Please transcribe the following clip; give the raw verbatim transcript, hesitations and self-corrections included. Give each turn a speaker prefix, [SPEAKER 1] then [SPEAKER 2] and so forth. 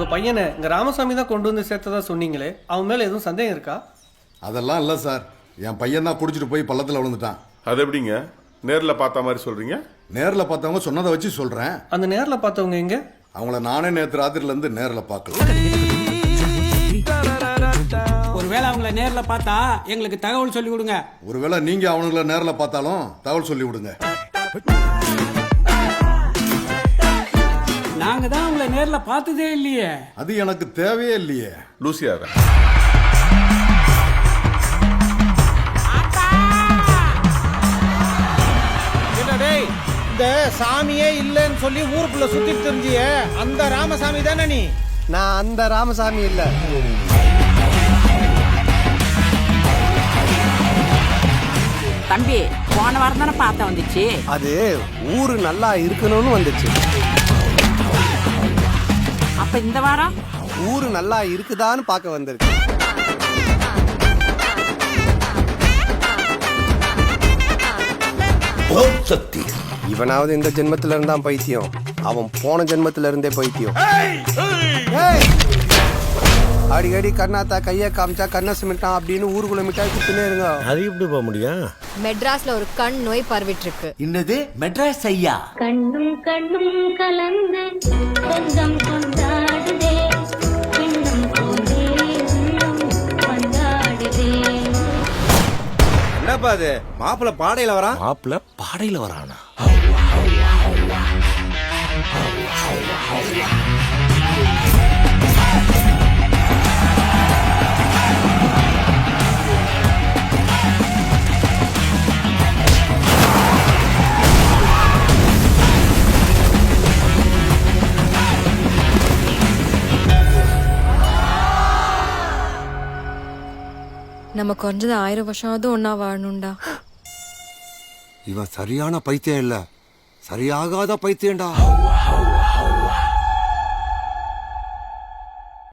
[SPEAKER 1] உங்க பையனை இங்க ராமசாமி தான் கொண்டு வந்து சேர்த்ததா சொன்னீங்களே, அவன் மேல எதுவும் சந்தேகம் இருக்கா?
[SPEAKER 2] அதெல்லாம் இல்லை சார், என் பையன் தான் குடிச்சிட்டு போய் பள்ளத்தில் விழுந்துட்டான்.
[SPEAKER 3] அது எப்படிங்க நேரில் பார்த்த மாதிரி சொல்றீங்க?
[SPEAKER 2] நேரில் பார்த்தவங்க சொன்னதை வச்சு சொல்கிறேன்.
[SPEAKER 1] அந்த நேர்ல பார்த்தவங்க எங்க?
[SPEAKER 2] அவங்கள நானே நேற்று ராத்திரிலேருந்து நேரில் பார்க்கல.
[SPEAKER 4] ஒருவேளை அவங்கள நேரில் பார்த்தா எங்களுக்கு தகவல் சொல்லி கொடுங்க.
[SPEAKER 2] ஒருவேளை நீங்கள் அவனுங்களை நேரில் பார்த்தாலும் தகவல் சொல்லி விடுங்க.
[SPEAKER 4] நாங்க தான் உங்களை நேர்ல பார்த்ததே இல்லையே.
[SPEAKER 2] அது எனக்கு தேவையே இல்லையே.
[SPEAKER 3] லூசியார
[SPEAKER 5] இந்த சாமியே இல்லைன்னு சொல்லி ஊருக்குள்ள சுத்திட்டு தெரிஞ்சிய அந்த ராமசாமி தானே நீ?
[SPEAKER 6] நான் அந்த ராமசாமி இல்ல.
[SPEAKER 7] தம்பி, போன வாரம் தானே பார்த்த வந்துச்சு.
[SPEAKER 6] அது ஊரு நல்லா இருக்கணும்னு வந்துச்சு.
[SPEAKER 7] அப்ப இந்த வாரம்
[SPEAKER 6] ஊரு நல்லா இருக்குதான்னு பார்க்க வந்திருக்கு. இவனாவது இந்த ஜென்மத்துல இருந்தான் பைத்தியம், அவன் போன ஜென்மத்துல இருந்தே பைத்தியம். அடிக்கடி கண்ணாத்தா கைய காமிச்சா கண்ண சிமிட்டான் அப்படின்னு ஊருக்குள்ள மிட்டாய் குத்துனே இருங்க.
[SPEAKER 8] அது எப்படி போக முடியும்?
[SPEAKER 9] மெட்ராஸ்ல ஒரு கண் நோய் பரவிட்டு இருக்கு.
[SPEAKER 8] என்னது மெட்ராஸ் ஐயா?
[SPEAKER 10] கண்ணும் கண்ணும் கலந்து சொந்தம் கொண்டாடுதே, இன்னும் போதே உள்ளம் கொண்டாடுதே.
[SPEAKER 5] என்னப்பா அது, மாப்பிள்ள பாடையில வரான்?
[SPEAKER 8] மாப்பிள்ள பாடையில வரானா?
[SPEAKER 9] நம்ம கொஞ்சது ஆயிரம் வருஷமாவது ஒன்னா வாழணும்டா.
[SPEAKER 6] இவன் சரியான பைத்தியம் இல்ல, சரியாகாத பைத்தியம்டா.